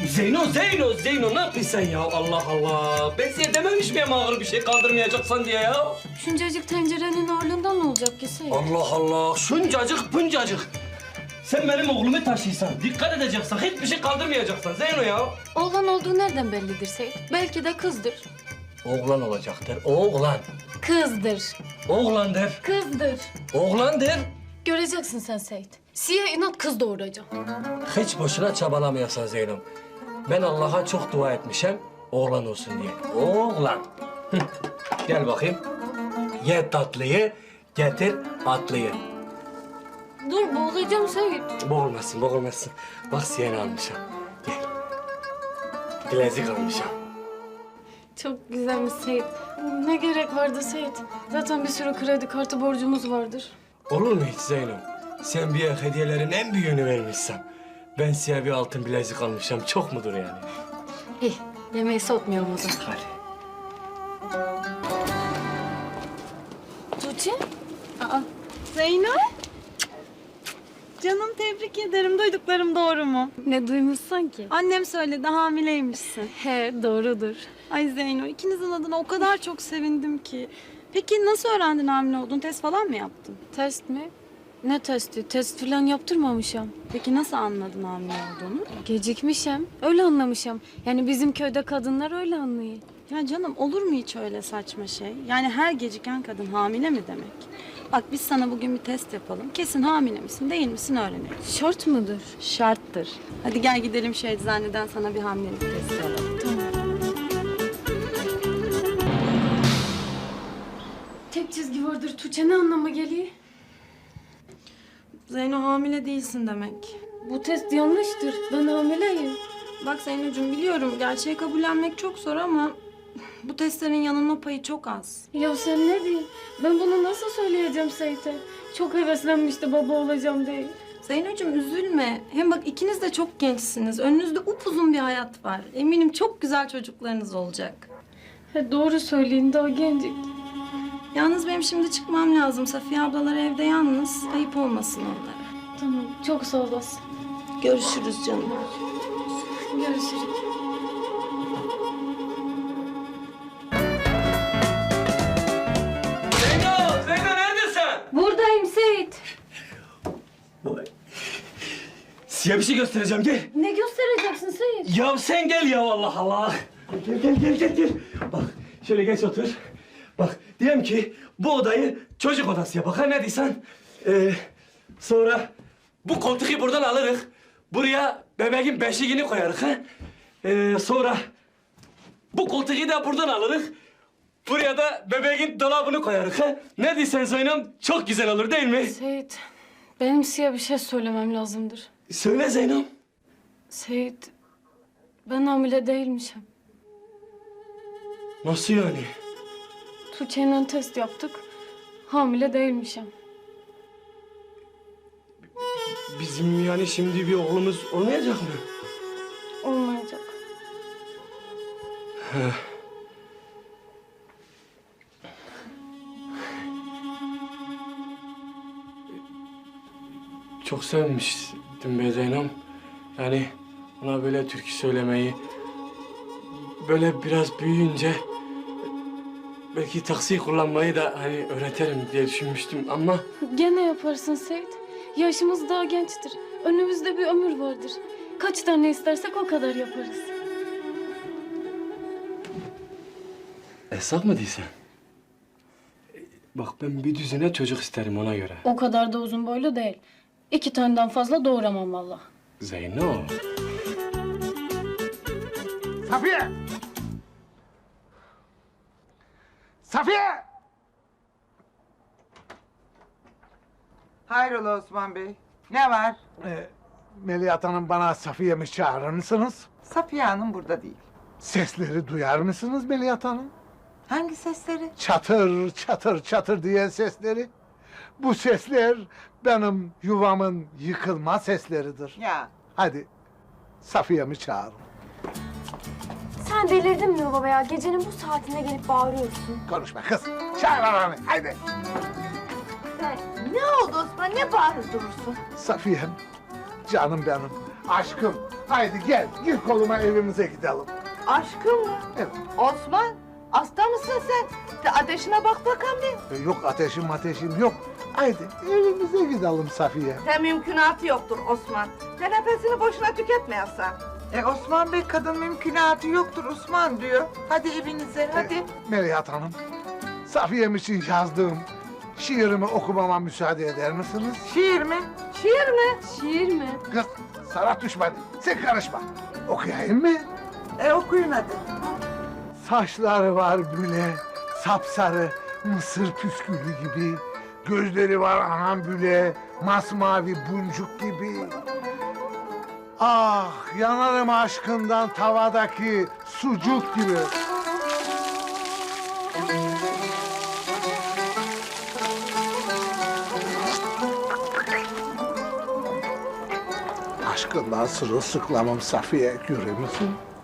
Zeyno ne yapıyorsun sen ya? Allah Allah. Ben size dememiş miyim ağır bir şey kaldırmayacaksan diye ya? Şuncacık tencerenin ağırlığından ne olacak ki Seyit? Allah Allah. Şuncacık buncacık. Sen benim oğlumu taşıysan, dikkat edeceksen, hiçbir şey kaldırmayacaksan Zeyno ya. Oğlan olduğu nereden bellidir Seyit? Belki de kızdır. Oğlan olacaktır, oğlan. Kızdır. Oğlandır, Kızdır. oğlandır. Göreceksin sen Seyit. Siye inat kız doğuracağım. Hiç boşuna çabalamıyorsan Zeynep. Ben Allah'a çok dua etmişim, oğlan olsun diye. Oğlan. Hı. Gel bakayım. Ye tatlıyı, getir atlıyı. Dur boğulacağım Seyit. Boğulmasın, boğulmasın. Bak siyeni almışım. Gel. Bilezik almışım. Çok güzelmiş Seyit. Ne gerek vardı Seyit? Zaten bir sürü kredi kartı borcumuz vardır. Olur mu hiç Zeynep? Sen bir hediyelerin en büyüğünü vermişsin. Ben size bir altın bilezik almışım. Çok mudur yani? İyi, yemeği soğutmayalım o zaman. Hadi. Tuğçe? Zeyno? Canım tebrik ederim. Duyduklarım doğru mu? Ne duymuşsun ki? Annem söyledi hamileymişsin. He, doğrudur. Ay Zeyno ikinizin adına o kadar çok sevindim ki. Peki nasıl öğrendin hamile olduğunu? Test falan mı yaptın? Test mi? Ne testi? Test falan yaptırmamışım. Peki nasıl anladın hamile olduğunu? Gecikmişim. Öyle anlamışım. Yani bizim köyde kadınlar öyle anlıyor. Ya canım olur mu hiç öyle saçma şey? Yani her geciken kadın hamile mi demek? Bak biz sana bugün bir test yapalım. Kesin hamile misin değil misin öğrenelim. Şart mıdır? Şarttır. Hadi gel gidelim şu eczaneden sana bir hamilelik testi alalım. Tek çizgi vardır Tuğçe. Ne anlama geliyor? Zeyno hamile değilsin demek. Bu test yanlıştır. Ben hamileyim. Bak Zeynocuğum biliyorum gerçeği kabullenmek çok zor ama bu testlerin yanılma payı çok az. Ya sen ne diyorsun? Ben bunu nasıl söyleyeceğim Seyit'e? Çok heveslenmişti baba olacağım diye. Zeynocuğum üzülme. Hem bak ikiniz de çok gençsiniz. Önünüzde upuzun bir hayat var. Eminim çok güzel çocuklarınız olacak. He, doğru söyleyin daha gencik. Yalnız benim şimdi çıkmam lazım. Safiye ablalar evde yalnız. Ayıp olmasın onlara. Tamam çok sağ olasın. Görüşürüz canım. Görüşürüz. Zeyno neredesin? Buradayım Seyit. Size bir şey göstereceğim, gel. Ne göstereceksin Seyit? Ya sen gel ya Allah Allah. Gel. Bak şöyle geç otur. Bak diyelim ki bu odayı çocuk odası yap. Ha ne diysen. Sonra bu koltuğu buradan alırız. Buraya bebeğin beşiğini koyarız. Ha? Sonra bu koltuğu da buradan alırız. Buraya da bebeğin dolabını koyarız. Ha? Ne diysen Zeynep çok güzel olur değil mi? Seyit, benim size bir şey söylemem lazımdır. Söyle Zeynep. Seyit, ben hamile değilmişim. Nasıl yani? Tuğçe'yle test yaptık. Hamile değilmişim. Bizim yani şimdi bir oğlumuz olmayacak mı? Olmayacak. Çok sevmiştim be Zeynep. Yani ona böyle türkü söylemeyi, böyle biraz büyüyünce belki taksi kullanmayı da hani öğretirim diye düşünmüştüm ama Gene yaparsın Seyit. Yaşımız daha gençtir. Önümüzde bir ömür vardır. Kaç tane istersek o kadar yaparız. Esas mı değilsen? Bak ben bir düzine çocuk isterim ona göre. O kadar da uzun boylu değil. 2 taneden fazla doğuramam vallahi. Zeyno. Safiye! Safiye! Hayrola Osman Bey? Ne var? Melihat Hanım bana Safiye'mi çağırır mısınız? Safiye Hanım burada değil. Sesleri duyar mısınız Melihat Hanım? Hangi sesleri? Çatır çatır çatır diyen sesleri. Bu sesler benim yuvamın yıkılma sesleridir. Ya Hadi Safiye'mi çağırın. Sen delirdin mi baba ya? Gecenin bu saatinde gelip bağırıyorsun. Konuşma kız. Çağır ananı haydi. ne oldu Osman? Ne bağırıp durursun? Safiye'm, canım benim. Aşkım, haydi gel, gir koluma evimize gidelim. Aşkım mı? Evet. Osman, hasta mısın sen? De ateşine bak bakalım bir. Yok ateşim yok. Haydi evimize gidelim Safiye. De mümkünatı yoktur Osman. De nefesini boşuna tüketmeyesin. Osman Bey kadın mümkünatı yoktur Osman diyor. Hadi evinize hadi. Merihat Hanım, Safiye'm için yazdığım şiirimi okumama müsaade eder misiniz? Şiir mi? Şiir mi? Şiir mi? Kız, sana düşmedi. Sen karışma. Okuyayım mı? Okuyun hadi. Saçları var büle, sapsarı, mısır püskülü gibi. Gözleri var anam büle, masmavi buncuk gibi. Ah, yanarım aşkından tavadaki sucuk gibi. Aşkından sırılsıklamım Safiye, görür müsün?